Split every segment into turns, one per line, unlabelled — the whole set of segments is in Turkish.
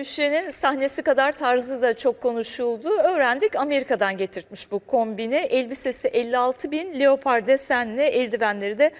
Gülşen'in sahnesi kadar tarzı da çok konuşuldu. Öğrendik, Amerika'dan getirtmiş bu kombini. Elbisesi 56.000, leopar desenli, eldivenleri de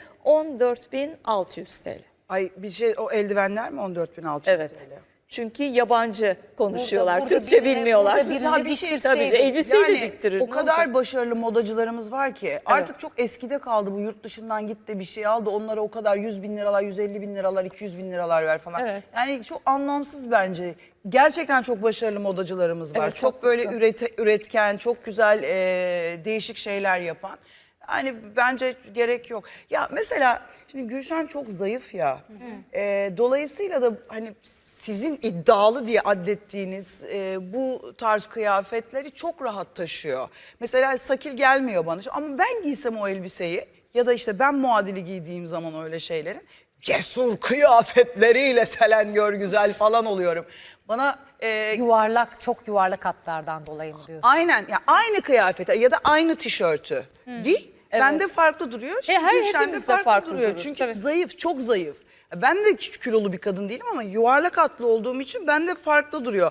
14.600 TL.
Ay bir şey, o eldivenler mi 14.600
Evet.
TL?
Çünkü yabancı konuşuyorlar,
Burada
Türkçe
birine-
bilmiyorlar.
burada birine
Ya bir şey
diktirseydi.
tabii, elbiseyi de
Yani
diktirir.
o
ne
kadar
olacak?
başarılı modacılarımız var ki artık çok eskide kaldı bu, yurt dışından git de bir şey al da onlara o kadar 100.000 liralar, 150.000 liralar, 200.000 liralar ver falan.
Evet.
Yani çok anlamsız bence. Gerçekten çok başarılı modacılarımız var.
Evet,
çok
haklısın.
böyle üretken, çok güzel değişik şeyler yapan. Yani bence gerek yok. Ya mesela şimdi Gülşen çok zayıf ya. Dolayısıyla da hani sizin iddialı diye adlettiğiniz bu tarz kıyafetleri çok rahat taşıyor. Mesela sakil gelmiyor bana ama ben giysem o elbiseyi ya da işte ben muadili giydiğim zaman öyle şeylerin cesur kıyafetleriyle Selen Görgüzel falan oluyorum. Bana
Yuvarlak, çok yuvarlak hatlardan dolayı mı diyorsun?
aynen ya aynı kıyafete ya da aynı tişörtü giy. Bende farklı duruyor. Şimdi
her
Gülşen'de
hepimizde farklı
duruyor.
durur,
Çünkü
tabii.
zayıf, çok zayıf. Ben de küçük kilolu bir kadın değilim ama yuvarlak hatlı olduğum için bende farklı duruyor.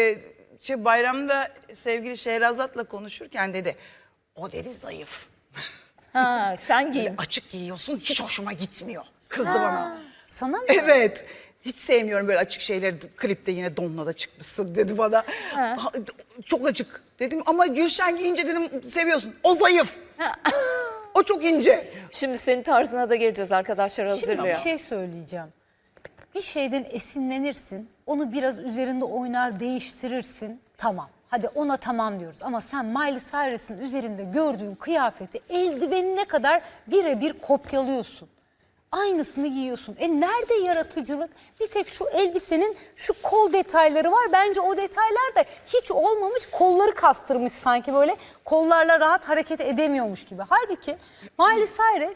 Bayramda sevgili Şehrazat'la konuşurken dedi, o dedi zayıf.
Ha, sen giyin.
Açık giyiyorsun, hiç hoşuma gitmiyor. Kızdı bana.
Sana mı?
Evet. Hiç sevmiyorum böyle açık şeyleri. Klipte yine donla da çıkmışsın dedi bana. Çok açık dedim ama Gülşen giyince dedim seviyorsun. O zayıf. O çok ince.
Şimdi senin tarzına da geleceğiz, arkadaşlar hazırlıyor.
Şimdi bir şey söyleyeceğim. Bir şeyden esinlenirsin, onu biraz üzerinde oynar, değiştirirsin. Tamam. Hadi ona tamam diyoruz. Ama sen Miley Cyrus'ın üzerinde gördüğün kıyafeti eldivenine kadar birebir kopyalıyorsun. Aynısını giyiyorsun. Nerede yaratıcılık? Bir tek şu elbisenin şu kol detayları var. Bence o detaylar da hiç olmamış. Kolları kastırmış sanki böyle. Kollarla rahat hareket edemiyormuş gibi. Halbuki Miley Cyrus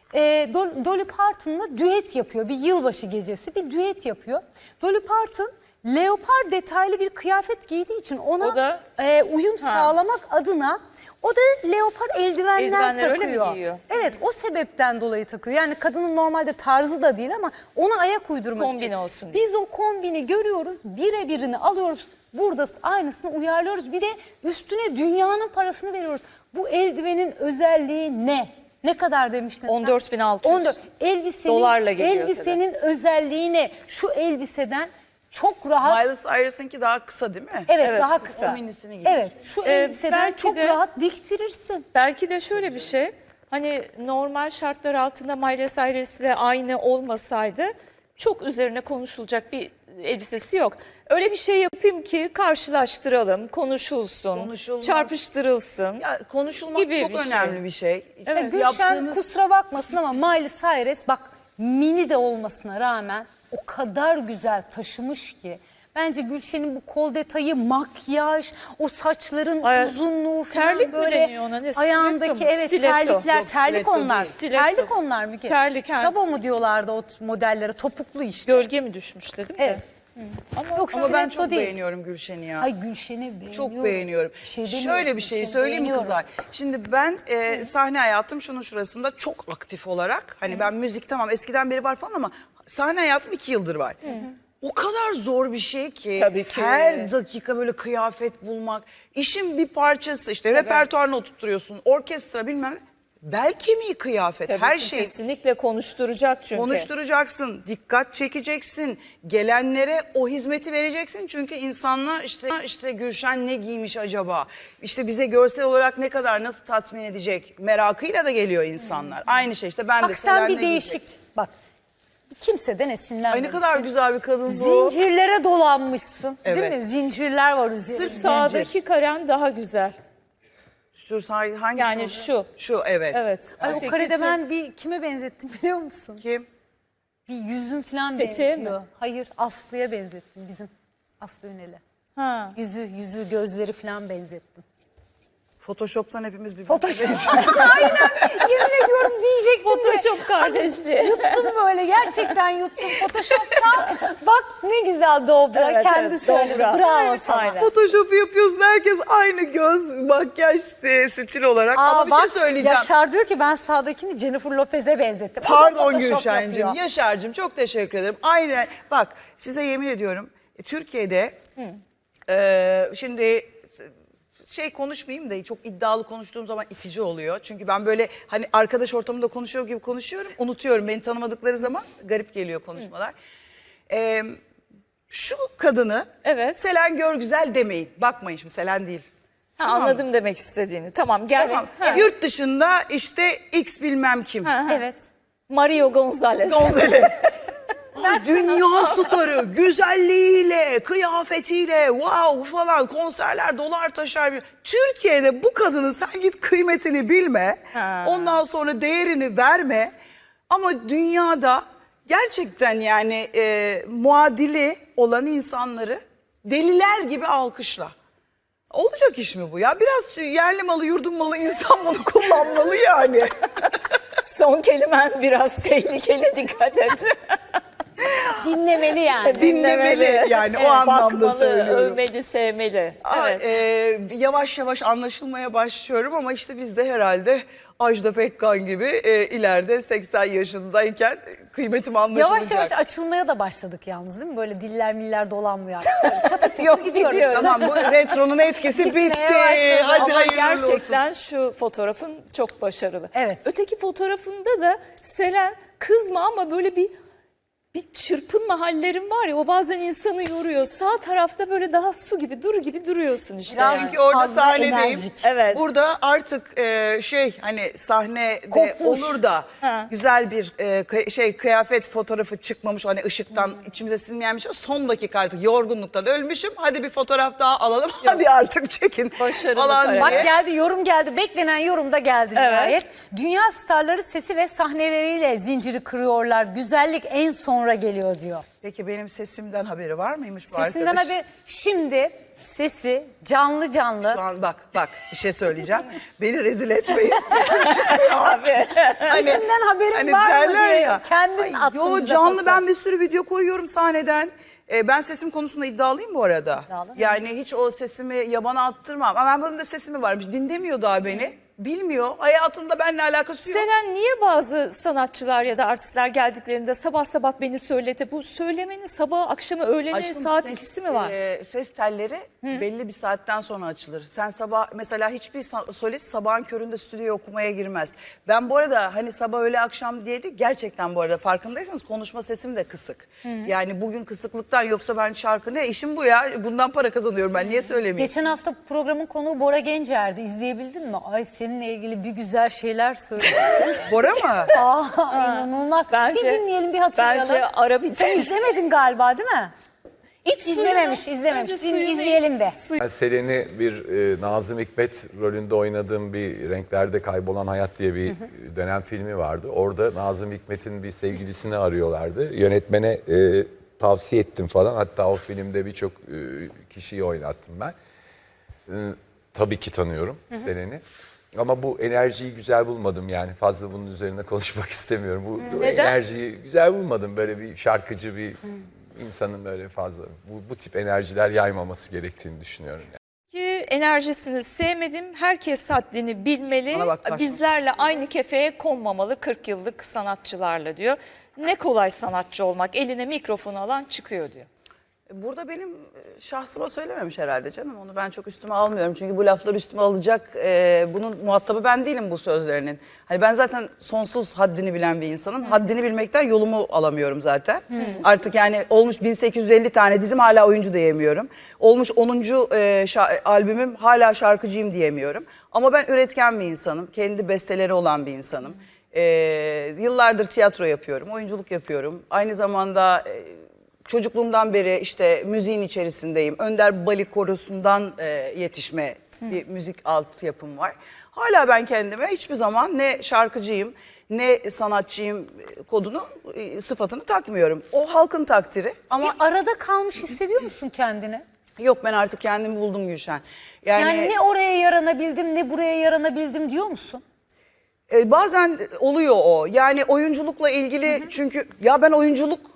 Dolly Parton'la düet yapıyor. Bir yılbaşı gecesi bir düet yapıyor. Dolly Parton leopar detaylı bir kıyafet giydiği için ona
O da-
uyum sağlamak adına o da leopar eldivenler
Eldivenler öyle mi
takıyor.
giyiyor?
Evet, o sebepten dolayı takıyor. Yani kadının normalde tarzı da değil ama ona ayak uydurmak
Kombin
için.
olsun diye.
Biz o kombini görüyoruz, birebirini alıyoruz. Burada aynısını uyarlıyoruz. Bir de üstüne dünyanın parasını veriyoruz. Bu eldivenin özelliği ne? Ne kadar demiştin sen?
14.600.
14. Elbisenin,
Dolarla geliyor
elbisenin özelliği ne? Şu elbiseden çok rahat.
Miley Cyrus'ınki daha kısa değil mi?
Evet,
Evet,
daha
kısa.
kısa.
O minisini giymiş.
Evet, şu elbiseden
belki
çok
de-
rahat diktirirsin.
Belki de şöyle bir şey, hani normal şartlar altında Miley Cyrus'le aynı olmasaydı çok üzerine konuşulacak bir elbisesi yok. Öyle bir şey yapayım ki karşılaştıralım, konuşulsun,
Konuşulmaz.
çarpıştırılsın.
Ya konuşulmak
Gibi
çok
bir şey.
önemli bir şey.
Evet.
Gülşen kusura bakmasın ama Miley Cyrus bak mini de olmasına rağmen o kadar güzel taşımış ki. Bence Gülşen'in bu kol detayı, makyaj, o saçların
Ay,
uzunluğu falan
terlik mi
böyle
deniyor ona, ne, stiletto
ayağındaki
mu?
evet
Stiletto.
terlikler,
Yok,
terlik
stiletto
onlar.
değil.
Stiletto.
Terlik onlar mı ki?
Terlik, ha.
Sabo mu diyorlardı o modellere, topuklu işte.
Gölge mi düşmüş dedim
Evet.
de.
Yok,
Ama ben
stiletto
çok
değil.
beğeniyorum Gülşen'i ya.
Ay Gülşen'i beğeniyorum.
Çok beğeniyorum.
Bir şey demiyorum,
Şöyle bir şey
Gülşen'i
söyleyeyim mi
beğeniyorum.
kızlar? Şimdi ben sahne hayatım şunun şurasında çok aktif olarak. Hani ben müzik tamam eskiden beri var falan ama sahne hayatım 2 yıldır var. O kadar zor bir şey ki,
Tabii ki.
her dakika böyle kıyafet bulmak. İşin bir parçası işte repertuarını oturtturuyorsun. Orkestra bilmem ne. Bel kemiği kıyafet.
Tabii
her
ki,
şey.
kesinlikle konuşturacak çünkü.
Konuşturacaksın, dikkat çekeceksin, gelenlere o hizmeti vereceksin. Çünkü insanlar işte Gülşen ne giymiş acaba? İşte bize görsel olarak ne kadar nasıl tatmin edecek merakıyla da geliyor insanlar. Aynı şey işte ben de
Bak sen
Selen
bir
ne
değişik,
giyecek?
bak kimseden
Ay
esinlenmemişsin.
ne kadar güzel bir kadın bu.
Zincirlere dolanmışsın değil
Evet.
mi? Zincirler var üzerinde.
Sırf sağdaki karen daha güzel.
Dur, hangisi
Yani
oldu?
şu.
Şu evet.
Evet.
Ay, o
Öteki
karede
tip-
ben bir kime benzettim biliyor musun?
Kim?
Bir yüzün falan
Peteğe
benziyor.
mi?
Hayır, Aslı'ya benzettim, bizim Aslı Ünel'e.
Ha.
Yüzü, gözleri falan benzettim.
Photoshop'tan hepimiz bir
Photoshop. Aynen. Yemin ediyorum diyecektim de.
Photoshop kardeşliği.
Yuttum böyle, gerçekten yuttum. Photoshop'tan bak ne güzel dobra.
Evet,
Kendi
evet,
söyledi.
dobra.
Bravo sana.
Aynen.
Photoshop'u yapıyorsun herkes aynı göz, makyaj stil olarak. Ama bir şey söyleyeceğim.
Yaşar diyor ki ben sağdakini Jennifer Lopez'e benzettim. O da
Pardon
Photoshop
Gülşen'cim,
yapıyor.
Yaşar'cığım çok teşekkür ederim. Aynen bak size yemin ediyorum Türkiye'de şimdi konuşmayayım da çok iddialı konuştuğum zaman itici oluyor. Çünkü ben böyle hani arkadaş ortamında konuşuyor gibi konuşuyorum. Unutuyorum, beni tanımadıkları zaman garip geliyor konuşmalar. Şu kadını
Evet.
Selen Görgüzel demeyin. Bakmayın şimdi, Selen değil.
Ha,
Tamam
anladım demek istediğini. Tamam gel.
Tamam.
Ha.
Yurt dışında işte X bilmem kim.
Evet.
Mario Gonzalez.
Gonzales. Dünya starı, güzelliğiyle, kıyafetiyle, wow falan, konserler dolar taşar. Türkiye'de bu kadının sen git kıymetini bilme, ondan sonra değerini verme. Ama dünyada gerçekten yani muadili olan insanları deliler gibi alkışla. Olacak iş mi bu ya? Biraz yerli malı, yurdun malı insan bunu kullanmalı yani.
Son kelimen biraz tehlikeli, dikkat et.
Dinlemeli yani.
Dinlemeli yani, o anlamda
bakmalı,
söylüyorum.
övmeli, sevmeli. Evet.
Yavaş yavaş anlaşılmaya başlıyorum ama işte biz de herhalde Ajda Pekkan gibi ileride 80 yaşındayken kıymetim anlaşılacak.
Yavaş yavaş açılmaya da başladık yalnız değil mi? Böyle diller miller dolanmıyor artık. Böyle çatır çatır
Yok,
gidiyoruz.
gidiyoruz.
Tamam, bu retronun etkisi
Gitmeye
bitti.
başladı.
Hadi
Ama
hayırlı
gerçekten
olsun.
şu fotoğrafın çok başarılı.
Evet.
Öteki fotoğrafında da Selen kızma ama böyle bir çırpınma hallerin var ya, o bazen insanı yoruyor. Sağ tarafta böyle daha su gibi, duru gibi duruyorsun işte.
Biraz
yani.
Çünkü orada
fazla
sahnedeyim.
enerjik.
Evet.
Burada artık hani sahnede
Kopmuş.
olur da
Ha.
güzel bir kıyafet fotoğrafı çıkmamış, hani ışıktan içimize sinmeyen bir şey. Son dakika artık yorgunluktan ölmüşüm. Hadi bir fotoğraf daha alalım. Hadi artık çekin.
Başarılı
falan
karar.
Bak
diye.
geldi, yorum geldi. Beklenen yorum da geldi
Evet.
nihayet. Dünya starları sesi ve sahneleriyle zinciri kırıyorlar. Güzellik en sonra geliyor diyor.
Peki benim sesimden haberi var mıymış bu
Sesinden
arkadaş?
haber. Şimdi sesi canlı canlı.
Şu an bak bir şey söyleyeceğim. Beni rezil etmeyin. Sesim çıkmıyor.
Tabii.
Sesinden haberin
Hani
var mı
derler
diye
ya.
kendin attın
Yo,
bize
canlı
pası.
ben bir sürü video koyuyorum sahneden. Ben sesim konusunda iddialıyım bu arada.
İddialı mı?
Yani hiç o sesimi yabana attırmam. Ama bunun da sesimi varmış. Dinlemiyor daha beni. Bilmiyor. Hayatında benimle alakası yok.
Selen, niye bazı sanatçılar ya da artistler geldiklerinde sabah sabah beni söylete? Bu söylemenin sabah, akşamı, öğleni,
Aşkım,
saat
ses,
ikisi mi var?
Ses telleri belli bir saatten sonra açılır. Sen sabah mesela hiçbir solist sabahın köründe stüdyoya okumaya girmez. Ben bu arada hani sabah öğle akşam diye değil, gerçekten bu arada farkındaysanız konuşma sesim de kısık. Yani bugün kısıklıktan, yoksa ben şarkı ne işim bu ya, bundan para kazanıyorum ben, niye söylemeyeyim?
Geçen hafta programın konuğu Bora Gencer'di. İzleyebildin mi? Ay seninle ilgili bir güzel şeyler söyledi.
Bora mı?
İnanılmaz.
Bence-
bir dinleyelim, bir hatırlayalım.
Bence ara bir
Sen izlemedin galiba değil mi? Hiç izlememiş.
Bence suyunu
İzleyelim be.
Ben Selen'i bir Nazım Hikmet rolünde oynadığım bir Renklerde Kaybolan Hayat diye bir dönem filmi vardı. Orada Nazım Hikmet'in bir sevgilisini arıyorlardı. Yönetmene tavsiye ettim falan. Hatta o filmde birçok kişiyi oynattım ben. Tabii ki tanıyorum Selen'i. Ama bu enerjiyi güzel bulmadım yani. Fazla bunun üzerine konuşmak istemiyorum. Bu
Neden?
enerjiyi güzel bulmadım. Böyle bir şarkıcı bir insanın böyle fazla bu tip enerjiler yaymaması gerektiğini düşünüyorum.
Ki enerjisini sevmedim. Herkes haddini bilmeli.
Bana bak, taşma.
Bizlerle aynı kefeye konmamalı 40 yıllık sanatçılarla diyor. Ne kolay sanatçı olmak. Eline mikrofonu alan çıkıyor diyor.
Burada benim şahsıma söylememiş herhalde canım. Onu ben çok üstüme almıyorum. Çünkü bu lafları üstüme alacak. Bunun muhatabı ben değilim bu sözlerinin. Hani ben zaten sonsuz haddini bilen bir insanım. Haddini bilmekten yolumu alamıyorum zaten. Artık yani olmuş 1850 tane dizim, hala oyuncu diyemiyorum. Olmuş 10. albümüm, hala şarkıcıyım diyemiyorum. Ama ben üretken bir insanım. Kendi besteleri olan bir insanım. Yıllardır tiyatro yapıyorum, oyunculuk yapıyorum. Aynı zamanda... Çocukluğumdan beri işte müziğin içerisindeyim. Önder Bali Korosu'ndan yetişme bir müzik altyapım var. Hala ben kendime hiçbir zaman ne şarkıcıyım ne sanatçıyım kodunu, sıfatını takmıyorum. O halkın takdiri ama
Bir arada kalmış hissediyor musun kendini?
yok, ben artık kendimi buldum Gülşen.
Yani ne oraya yaranabildim ne buraya yaranabildim diyor musun?
Bazen oluyor o. Yani oyunculukla ilgili, çünkü ya ben oyunculuk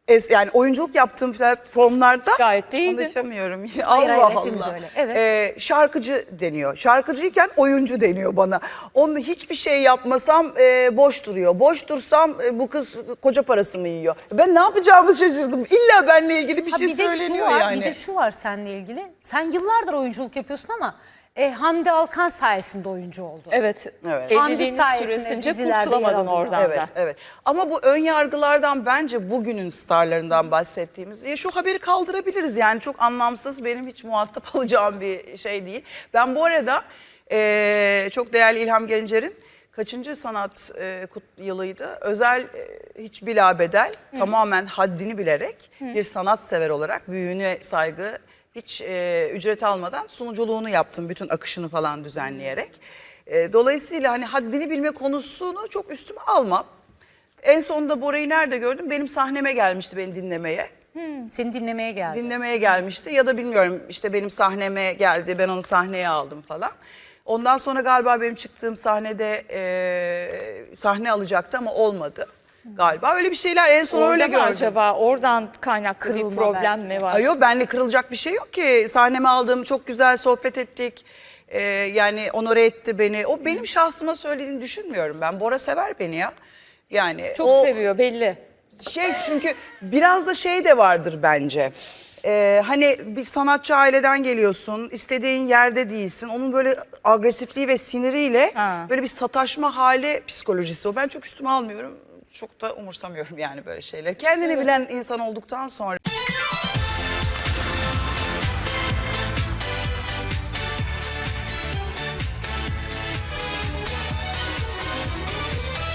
yani oyunculuk yaptığım platformlarda
Gayet de iyiydin.
konuşamıyorum.
Hayır,
Allah
hepimiz
Allah.
öyle. Evet.
Şarkıcı deniyor. Şarkıcıyken oyuncu deniyor bana. Onu hiçbir şey yapmasam boş duruyor. Boş dursam bu kız koca parasını yiyor. Ben ne yapacağımı şaşırdım. İlla benimle ilgili bir
Ha,
şey
bir de şu
söyleniyor
var,
yani.
bir de şu var seninle ilgili. Sen yıllardır oyunculuk yapıyorsun ama Hamdi Alkan sayesinde oyuncu oldu.
Evet.
Evet.
Hamdi
Evliliğiniz
sayesinde
süresince
dizilerde yer
kurtulamadın
alıyor.
oradan
Evet,
da.
evet. Ama bu ön yargılardan bence bugünün starlarından bahsettiğimiz şu haberi kaldırabiliriz. Yani çok anlamsız, benim hiç muhatap alacağım bir şey değil. Ben bu arada çok değerli İlham Gencer'in kaçıncı sanat yılıydı? Özel hiç bilabedel tamamen haddini bilerek bir sanatsever olarak büyüğüne saygı, hiç ücret almadan sunuculuğunu yaptım, bütün akışını falan düzenleyerek. Dolayısıyla hani haddini bilme konusunu çok üstüme almam. En sonunda Bora'yı nerede gördüm? Benim sahneme gelmişti beni dinlemeye.
Seni dinlemeye geldi.
Dinlemeye gelmişti ya da bilmiyorum, işte benim sahneme geldi, ben onu sahneye aldım falan. Ondan sonra galiba benim çıktığım sahnede sahne alacaktı ama olmadı galiba. Öyle bir şeyler en son
Orada
öyle
mı
gördüm.
acaba? Oradan kaynaklı bir
Kırılma
problem
belki.
mi var?
Ay yok, benle kırılacak bir şey yok ki. Sahneme aldım, çok güzel sohbet ettik. Yani onore etti beni. O benim şahsıma söylediğini düşünmüyorum ben. Bora sever beni ya. Yani
Çok seviyor belli.
çünkü biraz da şey de vardır bence. Hani bir sanatçı aileden geliyorsun, istediğin yerde değilsin. Onun böyle agresifliği ve siniriyle böyle bir sataşma hali psikolojisi o. Ben çok üstüme almıyorum. Çok da umursamıyorum yani böyle şeyler. Kendini bilen insan olduktan sonra.